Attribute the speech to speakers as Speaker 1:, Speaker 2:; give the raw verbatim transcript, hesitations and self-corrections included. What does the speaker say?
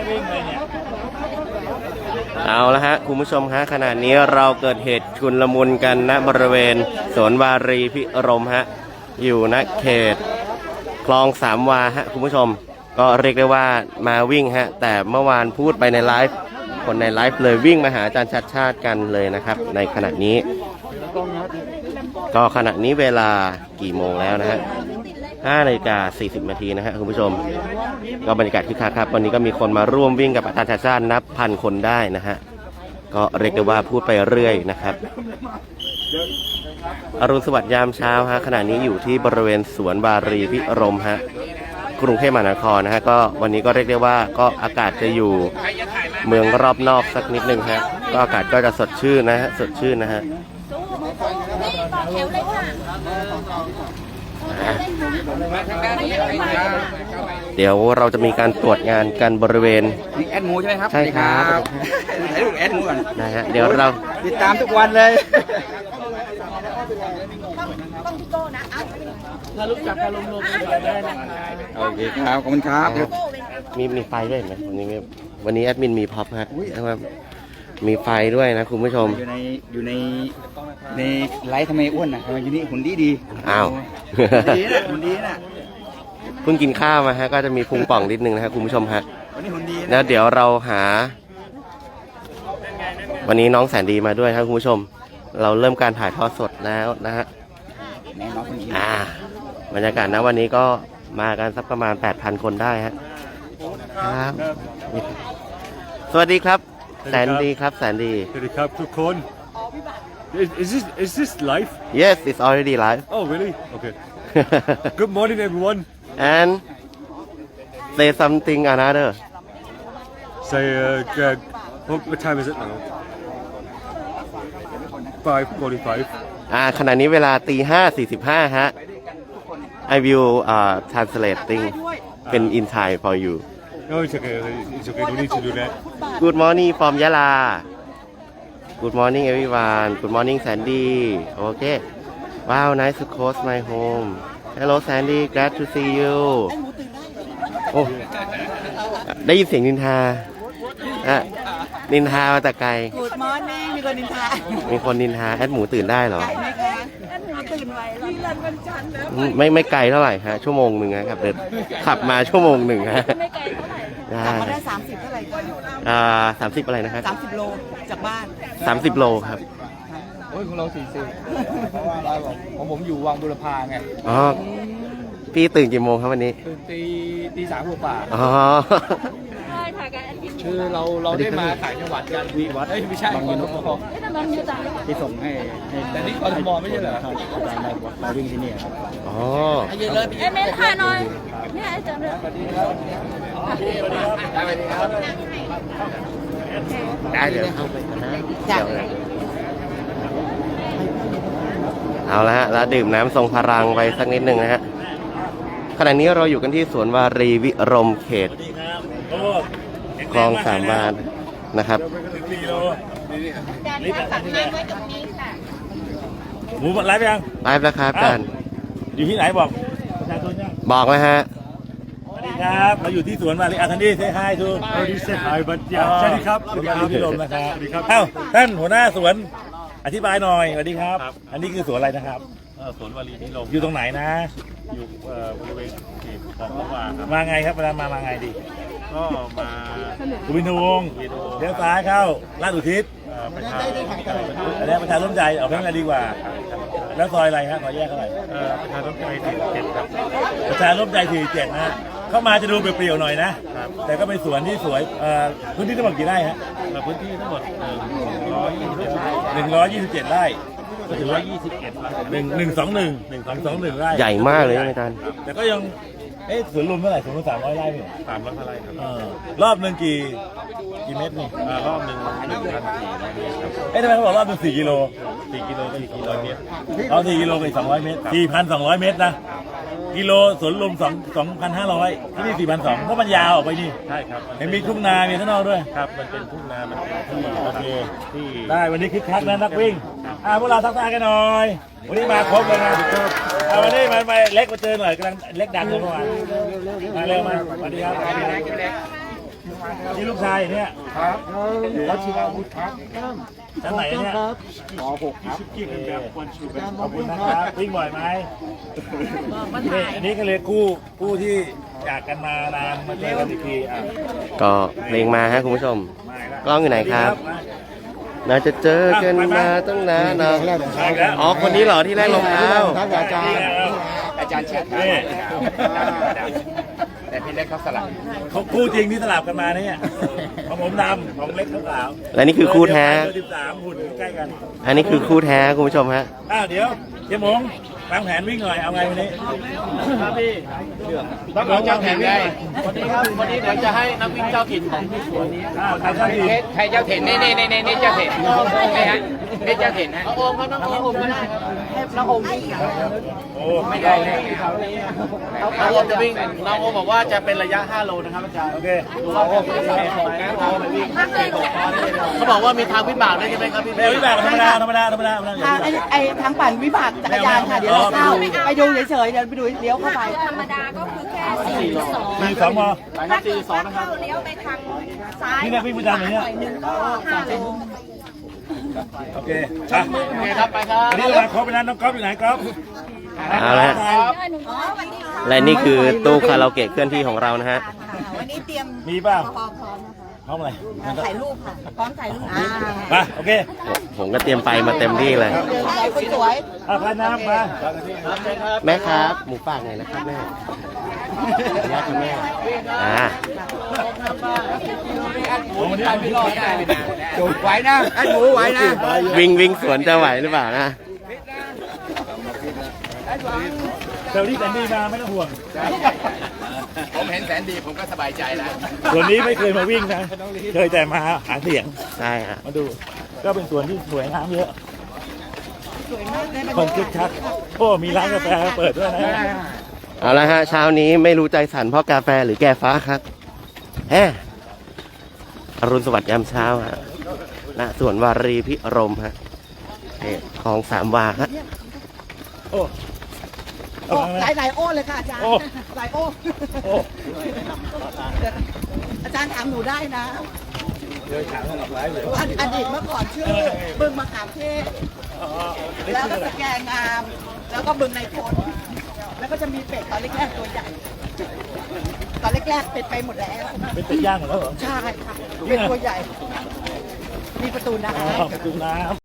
Speaker 1: วิ่งเลยเนี่ย
Speaker 2: เอาละฮะคุณผู้ชมฮะขณะนี้เราเกิดเหตุชุลมุนกันณบริเวณสวนวารีพิรมฮะอยู่ณเขตคลองสามวาฮะคุณผู้ชมก็เรียกได้ว่ามาวิ่งฮะแต่เมื่อวานพูดไปในไลฟ์คนในไลฟ์เลยวิ่งมาหาอาจารย์ชัดชาติกันเลยนะครับในขณะนี้ก็ขณะนี้เวลากี่โมงแล้วนะฮะห้านาฬิกาสี่สิบนาทีนะฮะคุณผู้ชมก็บรรยากาศคึกคักครับวันนี้ก็มีคนมาร่วมวิ่งกับอาจารย์ชัดชาตินับพันคนได้นะฮะก็เรียกได้ว่าพูดไปเรื่อยนะครับอรุณสวัสดิ์ยามเช้าฮะขณะนี้อยู่ที่บริเวณสวนวารีพิรมฮะกรุงเทพมหานครนะฮะก็วันนี้ก็เรียกได้ว่าก็อากาศจะอยู่เมืองรอบนอกสักนิดนึงฮะก็อากาศก็จะสดชื่นนะฮะสดชื่นนะฮะเดี๋ยวเราจะมีการตรวจงานกันบริเวณ
Speaker 3: นี่แอดหมูใช่ไหมครับ
Speaker 2: ใช่ครับ
Speaker 3: ถ่ายรูปแอดหมูก่อน
Speaker 2: นะฮะเดี๋ยวเรา
Speaker 3: ติดตามทุกวันเลย
Speaker 1: ถ้ารู้จักการลงลงได้นะครับ
Speaker 3: โอเคครับขอบคุณครับ
Speaker 2: มีมีไฟด้วยไหมวันนี้วันนี้แอดมินมีพ็อปฮะมีไฟด้วยนะคุณผู้ชม
Speaker 3: อยู่ในอยู่ในในไลฟ์ทำไมอ้วนอ่ะทำไมอยู่นี่หุ่นดีดี
Speaker 2: อ้าว
Speaker 3: ดีนะหุ่นดีนะ
Speaker 2: เพิ่งกินข้าวมาฮะก็จะมีพุงป่องนิดนึงนะฮะคุณผู้ชมฮะ
Speaker 3: วันนี้หุ่นดี
Speaker 2: แล้วเดี๋ยวเราหาวันนี้น้องแสนดีมาด้วยครับคุณผู้ชมเราเริ่มการถ่ายทอดสดแล้วนะฮะอ่าบรรยากาศนะวันนี้ก็มากันสักประมาณ แปดพัน คนได้ฮะครับสวัสดีครับแสนดีครับแสนดี
Speaker 1: สวัสดีครับทุกคน Is, is this is this live?
Speaker 2: Yes, it's already live.
Speaker 1: Oh, really? Okay. Good morning, everyone.
Speaker 2: And say something another.
Speaker 1: Say, uh, what, what time is it now? five forty-five.
Speaker 2: อ่าขณะนี้เวลาตีห้าสี่สิบห้าฮะ I will uh translating เป็น in Thai for you.
Speaker 1: No, it's okay. It's okay. Don't need to do that.
Speaker 2: Good morning from Yala. Good morning everyone. Good morning Sandy. Okay. Wow, nice to host my home. Hello Sandy, glad to see you. โอ้ได้ยินเสียงนินทาอ่ะนินทามาแต่ไกล
Speaker 4: Good morning มีคนนินทา
Speaker 2: มีคนนินทาแอดหมูตื่นได้เหรอ
Speaker 4: ไกลไหมคะแอดหมูตื่นไวแล้วนี่รันวันจันทร์แล้ว
Speaker 2: ไม่ไม่ไกลเท่าไหร่ฮะชั่วโมงหนึ่งครับเดินขับมาชั่วโมงหนึ่งฮะ
Speaker 4: ไม่ไกลเท่าไหร่ขับมาได้สามสิบเท่าไหร่กัน
Speaker 2: อ่าสามสิบอะไรนะครับ
Speaker 4: สามสิบโลจากบ้าน
Speaker 2: สามสิบโลครับ
Speaker 3: โอ้ยของเราสี่สิบเพราะว่าเราบอกของผมอยู่วังบุรพาไง
Speaker 2: อ๋อพี่ตื่นกี่โมงครับวันนี้
Speaker 3: ตื่นตีตีสามกว่า
Speaker 2: อ๋อ
Speaker 3: คือเราเราได้มาถ่ายจังหวัดกันวีวัดไม่ใช่บางยูนกพอที่ส่งให้แต่นี่กทมไม่ใช่เหรอครับมาวิ่งที่นี่ครับ
Speaker 2: อ๋อ
Speaker 4: เอ้เมนถ่ายหน่อยเนี่ยเจอเลย
Speaker 2: ได้เดี๋ยวเข้าไปนะเอาละฮะแล้วดื่มน้ำทรงพลังไปสักนิดหนึ่งนะฮะขณะนี้เราอยู่กันที่สวนวารีวิรมเขตคลองสามวานะครับ
Speaker 1: หมูไลฟ์ยัง
Speaker 2: ไลฟ์แล้วครับอาจารย์
Speaker 1: อยู่ที่ไหนบอกประชาชนยัง
Speaker 2: บอกแล้วฮะ
Speaker 1: สวัสดีครับเราอยู่ที่สวนวารีอาคันดี้เซฮายทูสวัสดีเซฮายบัตยาสวัสดีครับสวัสดีครับพี่ลมนะครับสวัสดีครับเอ้าท่านหัวหน้าสวนอธิบายหน่อยสวัสดีครับอันนี้คือสวนอะไรนะครับ
Speaker 5: สวนวารีพิรม
Speaker 1: อยู่ตรงไหนนะ
Speaker 5: อยู่บริเวณเขตคลองสามวาครับ
Speaker 1: มาไงครับเวลามามาไงดี
Speaker 5: ก็มา
Speaker 1: สุวินทวงศ์เลี้ยวซ้ายเข้าลาดอุทิศ
Speaker 5: ประชา
Speaker 1: อันนี้ประชาร่วมใจออกเพิ่มอะไรดีกว่าแล้วซอยอะไรครับซอยแยกเท่าไหร่
Speaker 5: ประชาร่วมใจสี่สิบเจ็ดครับ
Speaker 1: ประชาร่วมใจสี่สิบเจ็ดนะเข้ามาจะดูเปรี้ยวๆหน่อยนะแต่ก็เป็นสวนที่สวยพื้นที่ทั้งหมดกี่ไร่ฮะ
Speaker 5: พื้นที่ทั้งหมดหนึ่งร้อยยี่สิบเจ็ดไร่
Speaker 1: หนึ่งร้อยยี่สิบเจ็ดไร่
Speaker 5: ก็ถือว่ายี่สิบเอ็ด
Speaker 1: หนึ่งหนึ่งสองหนึ่งหนึ่งสองสองหนึ่งไร่
Speaker 2: ใหญ่มากเลยอาจารย์
Speaker 1: แต่ก็ยังเอ๊ะสวนลุมเท่าไหร่สวนลุมสามร้อยไร่เนี่ย
Speaker 5: สามร้อยไร่ครับ
Speaker 1: รอบหนึ่งกี่กี่เมตรนี่
Speaker 5: รอบหนึ่งหนึ่งพันสี่ร้อยเมตรครับ
Speaker 1: เอ๊ะทำไมเขาบอกรอบหนึ่งสี่กิโล
Speaker 5: สี่กิโลก็สี่กิโลเมตร
Speaker 1: เอาสี่กิโลไปสองร้อยเมตรสี่พันสองร้อยเมตรนะกิโลสวนลุมสองสองพันห้าร้อยที่นี่สี่พันสองเพราะมันยาวออกไปนี่
Speaker 5: ใช่ครับ
Speaker 1: เห็นมีทุ่งนามีข้างนอกด้วย
Speaker 5: ครับมันเป็นทุ่งนามันเป็นที่
Speaker 1: โอเค
Speaker 5: ที่
Speaker 1: ได้วันนี้คึกคักนะนักวิ่งอ่าพวกเราทักทายกันหน่อยวันนี้มาครบเลยนะเอาวันนี้มาไปเล็กมาเจอหน่อยกำลังเล็กดันเลยเมื่อวานมาเร็วมาสวัสดีครับนี่ลูกชายเนี่ย
Speaker 5: ครับวัชิราวุธครับ
Speaker 1: ชั้นไหนเนี่ย
Speaker 3: ปหกครับ
Speaker 5: กี่เป็นแบบวันชูเป็น
Speaker 1: ขอบคุณนะครับวิ่งบ่อยไหมนี่อันนี้ก็เลยกู้กู้ที่จากกันมานานมาเจอกันอีกทีอ่ะ
Speaker 2: ก็เพลงมาฮะคุณผู้ชม
Speaker 1: มาอีแล้ว
Speaker 2: กล้องอยู่ไหนครับ น่าจะเจอกันมาตั้งนานนะ
Speaker 1: มาอีกแล้ว
Speaker 2: อ๋อคนนี้เหรอที่แรกรองเท้า
Speaker 3: ครับอาจารย์
Speaker 5: อาจารย์เชิด
Speaker 1: นี่
Speaker 5: แต่พี่เล็กเขาสลับ
Speaker 1: เขาคู่จริงที่สลับกันมาเนี่ยของผมดำของเล็กขาว
Speaker 2: และนี่คือคู่แท้
Speaker 1: เบอร์สิบสามหุ่นใกล้กัน
Speaker 2: อันนี้คือคู่แท้คุณผู้ชมฮะ
Speaker 1: อ้าวเดี๋ยวเจ๊หมงวางแผนวิ่งหน่อยเอาไงวันนี้
Speaker 3: ครับพี่
Speaker 1: ต้องเอาเจ้าแผนวิ่งหน่อย
Speaker 3: วันนี้ครับวันนี้เดี๋ยวจะให้นักวิ่งเจ้าถิ่นของที่สวนนี้
Speaker 1: อ้าวใครเจ้าทีม
Speaker 5: ใครเจ้าเห็นนี่นี่นี่นี่เจ้าเห็นนี่ฮะนี่เจ้าเห็นฮะ
Speaker 3: น้องโอมครับน้องโอมก็ได้ครับให้น้องโอมวิ่ง
Speaker 1: โอ้
Speaker 5: ไม่ได้เลย
Speaker 3: น้องโอมจะวิ่งน้องโอมบอกว่าจะเป็นระยะห้าโลนะครับอาจารย์
Speaker 1: โอเค
Speaker 3: น้องโอมจะสามของนะน้องโอมไปวิ่งเขาบอกว่ามีทางวิบากด้วยใช่ไหมครับพี่
Speaker 1: เดี๋ยววิบากธรรมดาธรรมดาธรรมดาธรรมดา
Speaker 6: ทางไอ้ไอ้ทางปั่นวิบากจักรยานค่ะ เดี๋ยวเราเข้าไปดูเฉยๆเดี๋ยวไปดูเลี้ยวเข้าไป
Speaker 4: ธรรมดาก็คือแค่สี่สอง
Speaker 1: มีสองมอ
Speaker 6: ถ้าเกิด
Speaker 3: สองนะครับ
Speaker 6: เข้าเลี้ยวไปทางซ้าย
Speaker 1: นี่นักวิ่งประจำเหรอเนี่ย
Speaker 6: หน่อยหนึงก็ห้าโล
Speaker 1: โอเคไป
Speaker 3: โอเคครับไปครับ
Speaker 1: อันนี้เราครบไปแล้วน้องก๊อฟอยู่ไหนก๊อฟ
Speaker 2: เอาละ
Speaker 6: อ๋อวันนี้ค่ะ
Speaker 2: และนี่คือตู้คาราโอเกะเคลื่อนที่ของเรานะฮะ
Speaker 6: วันนี้เตรียม
Speaker 1: มีเปล่า
Speaker 6: พร้อมพร้อมนะคะ
Speaker 1: พร้อมอะไร
Speaker 6: ถ่ายรูปค่ะ พร้อมถ่ายรูปอ่า
Speaker 1: ไปโอเค
Speaker 2: ผมก็เตรียมไปมาเต็มที่เลย
Speaker 6: เดินไปคนสวย
Speaker 1: เอาพาน้ำมา
Speaker 2: แม่ครับ หมูปากหน่อยนะครับแม่ขออนุญาตครับแม่อ่า
Speaker 1: โอ้วันนี้ไม่รอดได้
Speaker 5: ไหวนะไอ้หมูไหวนะ
Speaker 2: วิ่งวิ่งสวนจะไหวหรือเปล่านะ
Speaker 1: เซลลี่แซนดี้มาไม่ต้องห่วง
Speaker 5: ผมเห็นแสนดีผมก็สบายใจแล้ว
Speaker 1: ส่วนนี้ไม่เคยมาวิ่งนะ เคยแต่มาหาเสียง
Speaker 2: ใช่ฮะ
Speaker 1: มาดู ก็เป็นสวนที่สวยงามเยอะ
Speaker 6: สวยมากเลย
Speaker 1: คนคึกคักโอ้มีร้านกาแฟเปิดด้วยนะ
Speaker 2: เอาละฮะเช้านี้ไม่รู้ใจสั่นเพราะกาแฟหรือแก้ฟ้าครับแฮอรุณสวัสดิ์ยามเช้าฮะณสวนวารีพิรมฮะเขตคลองสามวาฮะ
Speaker 1: โอ้
Speaker 6: โอ้หลายหลายโอ้เลยค่ะอาจารย์
Speaker 1: โอ้
Speaker 6: หลายโอ้
Speaker 1: โอ้
Speaker 6: อาจารย์ถามหนูได้นะ
Speaker 1: เดินขางหลับไว้เลย
Speaker 6: ออดีตเมื่อก่อนชื่อบึงมะขามเทศ แล้วก็สแกงงาม แล้วก็บึงในพลแล้วก็จะมีเป็ดตอนแรกๆตัวใหญ่ ตอนแรกๆเป็ดไปหมดแล้ว
Speaker 1: เป็นเป็ดย่างหมดแล้วเหรอ
Speaker 6: ใช่ค่ะ เป็นตัวใหญ่ มีประตูน้
Speaker 1: อ๋อประตูน้ำ